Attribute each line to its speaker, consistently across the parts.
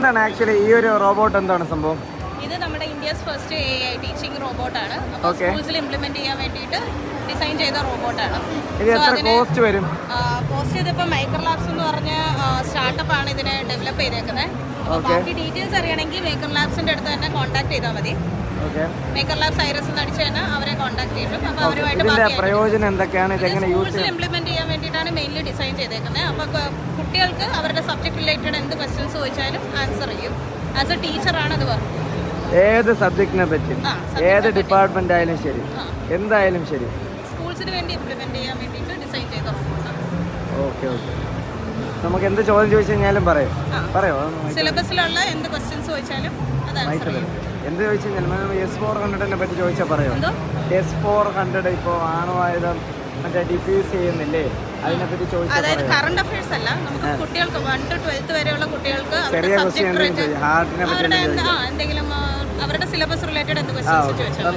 Speaker 1: എന്താണ് ആക്ച്വലി ഈ ഒരു റോബോട്ട് എന്താണ് സംഭവം?
Speaker 2: ഇത് നമ്മുടെ ഇന്ത്യസ് ഫസ്റ്റ് AI ടീച്ചിങ് റോബോട്ടാണ്. അപ്പോൾ സ്കൂൾസിൽ ഇംപ്ലിമെന്റ് ചെയ്യാൻ വേണ്ടിയിട്ട് ഡിസൈൻ ചെയ്ത റോബോട്ടാണ്.
Speaker 1: ഇത് എത്ര കോസ്റ്റ് വരും?
Speaker 2: കോസ്റ്റ് ഇതിപ്പോൾ മേക്കർ ലാബ്സ് എന്ന് പറഞ്ഞ സ്റ്റാർട്ടപ്പ് ആണ് ഇതിനെ ഡെവലപ്പ് ചെയ്തേക്കുന്നത്. അപ്പോൾ ബാക്കി ഡീറ്റെയിൽസ് അറിയണമെങ്കിൽ മേക്കർ ലാബ്സിന്റെ അടുത്ത് തന്നെ കോൺടാക്ട് ചെയ്താൽ മതി. മേക്കർ ലാബ്സ് ഐറസ് എന്ന് അടിച്ചു കഴിഞ്ഞാൽ അവരെ കോൺടാക്ട് ചെയ്യും. അപ്പോൾ അവരുമായിട്ട്
Speaker 1: പ്രയോജനം എന്തൊക്കെയാണ്, ഇതെങ്ങനെ
Speaker 2: സ്കൂൾസിൽ ഇംപ്ലിമെന്റ് ചെയ്യാൻ വേണ്ടിയിട്ടാണ് മെയിൻലി ഡിസൈൻ ചെയ്തേക്കുന്നത്. അപ്പോൾ കുട്ടികൾക്ക് അവരുടെ സബ്ജക്ട് റിലേറ്റഡ് എന്ത് ക്വസ്റ്റ്യൻസ് ചോദിച്ചാലും ആൻസർ ചെയ്യും. ആസ് എ ടീച്ചറാണ് അത് പറഞ്ഞത്.
Speaker 1: ഏത് സബ്ജക്റ്റിനെ പറ്റി, ഏത് ഡിപ്പാർട്ട്മെന്റ് ആയാലും ശരി, എന്തായാലും ശരി,
Speaker 2: സ്കൂൾസിന് വേണ്ടി ഇംപ്ലിമെന്റ് ചെയ്യാൻ വേണ്ടിയിട്ട് ഡിസൈൻ ചെയ്ത റോബോട്ടാണ്.
Speaker 1: Okay okay. നമുക്ക് എന്ത് ചോദ്യം ചോദിച്ചു കഴിഞ്ഞാലും പറയോ?
Speaker 2: സിലബസിലുള്ള എന്ത് ക്വസ്റ്റ്യൻസ് ചോദിച്ചാലും അത് ആൻസർ ചെയ്യും.
Speaker 1: എന്ത് ചോദിച്ചു കഴിഞ്ഞാൽ S-400 പറ്റി ചോദിച്ചാൽ പറയോ? S-400 ഇപ്പോൾ ആണവായുധം മറ്റേ ഡിഫ്യൂസ് ചെയ്യുന്നില്ലേ, അതിനെപ്പറ്റി ചോദിച്ചാൽ
Speaker 2: അതായത് കറണ്ട് അഫയേഴ്സ് അല്ല, നമുക്ക് കുട്ടികൾക്ക് 1 to 12th വരെയുള്ള കുട്ടികൾക്ക്
Speaker 1: ചെറിയ ക്വസ്റ്റ്യൻ
Speaker 2: എന്തെങ്കിലും അവരുടെ സിലബസ് റിലേറ്റഡ് എന്ത് ക്വസ്റ്റ്യൻസ് ചോദിച്ചാൽ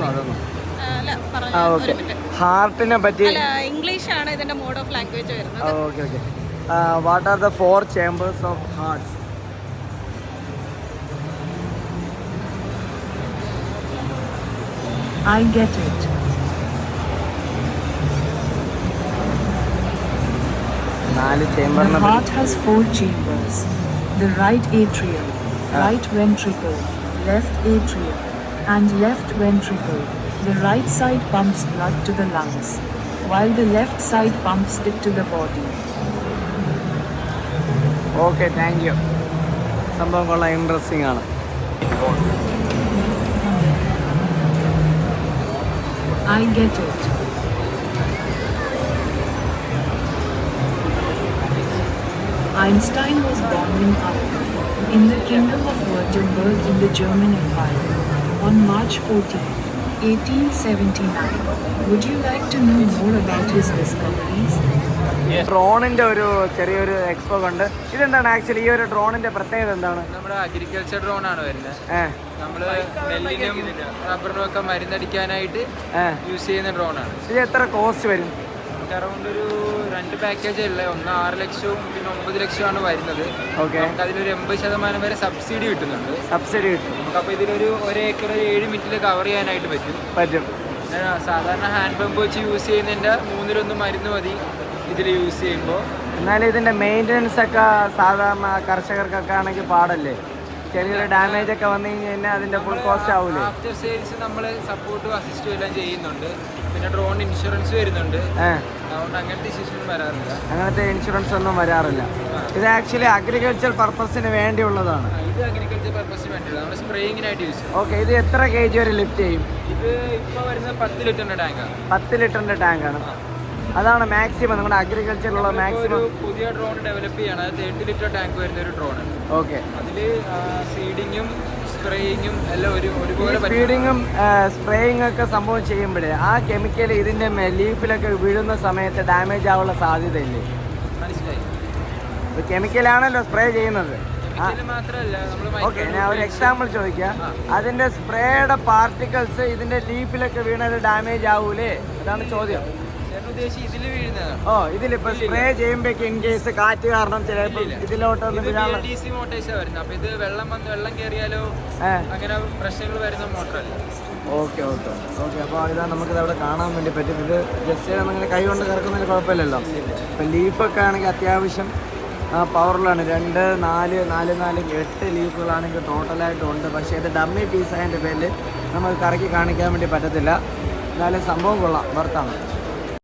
Speaker 1: ഹാർട്ടിനെ പറ്റി.
Speaker 2: ഇംഗ്ലീഷ് ആണ് ഇതിന്റെ മോഡ് ഓഫ് ലാംഗ്വേജ് വരുന്നത്.
Speaker 1: Okay okay. What are the 4 chambers of hearts?
Speaker 3: I get it.
Speaker 1: The
Speaker 3: heart has 4 chambers. The right atrium, right ventricle, left atrium, and left ventricle. The right side pumps blood to the lungs, while the left side pumps it to the body.
Speaker 1: Okay, thank you. സംഭവം കൊള്ളാം, interesting ആണ്.
Speaker 3: I get it. Einstein was born in Aachen, in the Kingdom of Württemberg in the German Empire, on March 14, 1879. Would you like to know more about his discoveries?
Speaker 1: ഡ്രോണിന്റെ ഒരു ചെറിയൊരു expo കണ്ട്. ഇതെന്താണ് actually ഈ ഒരു ഡ്രോണിന്റെ പ്രത്യേകത എന്താണ്?
Speaker 4: നമ്മുടെ അഗ്രികൾച്ചർ ഡ്രോൺ ആണ് വരുന്നത്. നമ്മള് നെല്ലിനും റബ്ബറിനും ഒക്കെ മരുന്നടിക്കാനായിട്ട് യൂസ് ചെയ്യുന്ന ഡ്രോൺ ആണ്.
Speaker 1: ഇത് എത്ര കോസ്റ്റ് വരും?
Speaker 4: അറൗണ്ട് ഒരു 2 പാക്കേജ് അല്ലേ, ഒന്ന് 6 ലക്ഷവും പിന്നെ 9 ലക്ഷമാണ് വരുന്നത്. നമുക്ക് അതിലൊരു 80% വരെ സബ്സിഡി കിട്ടുന്നുണ്ട്.
Speaker 1: സബ്സിഡി കിട്ടും
Speaker 4: നമുക്ക്. അപ്പോൾ ഇതിലൊരു 1 ഏക്കർ 7 മിനിറ്റിൽ കവർ ചെയ്യാനായിട്ട് പറ്റും. സാധാരണ ഹാൻഡ് പമ്പ് വെച്ച് യൂസ് ചെയ്യുന്നതിൻ്റെ 1/3 മരുന്ന് മതി ഇതിൽ യൂസ് ചെയ്യുമ്പോൾ.
Speaker 1: എന്നാലും ഇതിന്റെ മെയിൻ്റനൻസ് ഒക്കെ സാധാരണ കർഷകർക്കൊക്കെ ആണെങ്കിൽ പാടല്ലേ? ചെറിയൊരു ഡാമേജ് ഒക്കെ വന്നു കഴിഞ്ഞാൽ അതിന്റെ ഫുൾ കോസ്റ്റ് ആവൂലേ?
Speaker 4: ആഫ്റ്റർ സെയിൽസ് നമ്മൾ സപ്പോർട്ടും അസിസ്റ്റും എല്ലാം ചെയ്യുന്നുണ്ട്. പിന്നെ ഡ്രോൺ ഇൻഷുറൻസ് വരുന്നുണ്ട്. അതുകൊണ്ട് അങ്ങനത്തെ ഇഷ്യൂസ് ഒന്നും വരാറില്ല.
Speaker 1: അങ്ങനത്തെ ഇൻഷുറൻസ് ഒന്നും വരാറില്ല. ഇത് ആക്ച്വലി അഗ്രികൾച്ചർ പർപ്പസിന് വേണ്ടിയുള്ളതാണ്.
Speaker 4: ഇത് അഗ്രികൾച്ചർ പർപ്പസിന് വേണ്ടിയുള്ളത്, നമ്മൾ സ്പ്രേയിങ്ങിനായിട്ട് യൂസ് ചെയ്യും.
Speaker 1: ഓക്കെ. ഇത് എത്ര kg വരെ ലിഫ്റ്റ് ചെയ്യും?
Speaker 4: ഇത് ഇപ്പോൾ വരുന്നത് 10 ലിറ്ററിന്റെ ടാങ്കാണ്.
Speaker 1: 10 ലിറ്ററിന്റെ ടാങ്കാണ്. അതാണ് മാക്സിമം നമ്മുടെ അഗ്രികൾച്ചറിലുള്ള മാക്സിമം.
Speaker 4: പുതിയ ഡ്രോൺ ഡെവലപ്പ് ചെയ്യാണ്. അത് 30 ലിറ്റർ ടാങ്ക് വരുന്ന ഒരു ഡ്രോൺ.
Speaker 1: ഓക്കെ.
Speaker 4: അതിൽ സീഡിങ്ങും സ്പ്രേയിങ്ങും എല്ലാം ഒരുപോലെ.
Speaker 1: ഫീഡിങ്ങും സ്പ്രേയിങ് ഒക്കെ സംഭവം ചെയ്യുമ്പോഴേ ആ കെമിക്കൽ ഇതിന്റെ ലീഫിലൊക്കെ വീഴുന്ന സമയത്ത് ഡാമേജ് ആവാനുള്ള സാധ്യതയില്ലേ?
Speaker 4: മനസ്സിലായി.
Speaker 1: കെമിക്കലാണല്ലോ സ്പ്രേ ചെയ്യുന്നത്.
Speaker 4: മാത്രമല്ല,
Speaker 1: ഓക്കെ, ഞാൻ ഒരു എക്സാമ്പിൾ ചോദിക്കാം. അതിന്റെ സ്പ്രേയുടെ പാർട്ടിക്കിൾസ് ഇതിന്റെ ലീഫിലൊക്കെ വീണത് ഡാമേജ് ആവൂലേ? അതാണ് ചോദ്യം. ഇതിലിപ്പോ സ്പ്രേ ചെയ്യുമ്പോഴേക്ക് ഇൻ കേസ് കാറ്റ് കാരണം ചിലപ്പോൾ ഇതിലോട്ടൊന്നും
Speaker 4: ഇത് വെള്ളം കയറിയാലോ അങ്ങനെ പ്രശ്നങ്ങൾ വരുന്ന മോട്ടറല്ല.
Speaker 1: Okay okay okay. അപ്പോൾ ഇതാ നമുക്കിത് അവിടെ കാണാൻ വേണ്ടി പറ്റും. ഇത് ജസ്റ്റ് അങ്ങനെ കൈ കൊണ്ട് കറക്കുന്നതിന് കുഴപ്പമില്ലല്ലോ. ഇപ്പം ലീഫൊക്കെ ആണെങ്കിൽ അത്യാവശ്യം പവറുള്ളതാണ്. 2, 4, 8 ലീഫുകളാണെങ്കിൽ ടോട്ടലായിട്ടും ഉണ്ട്. പക്ഷേ ഇത് ഡമ്മി പീസ് ആയതിൻ്റെ പേരിൽ നമുക്ക് കറക്കി കാണിക്കാൻ വേണ്ടി പറ്റത്തില്ല. എന്നാലും സംഭവം കൊള്ളാം, വർത്താണ്.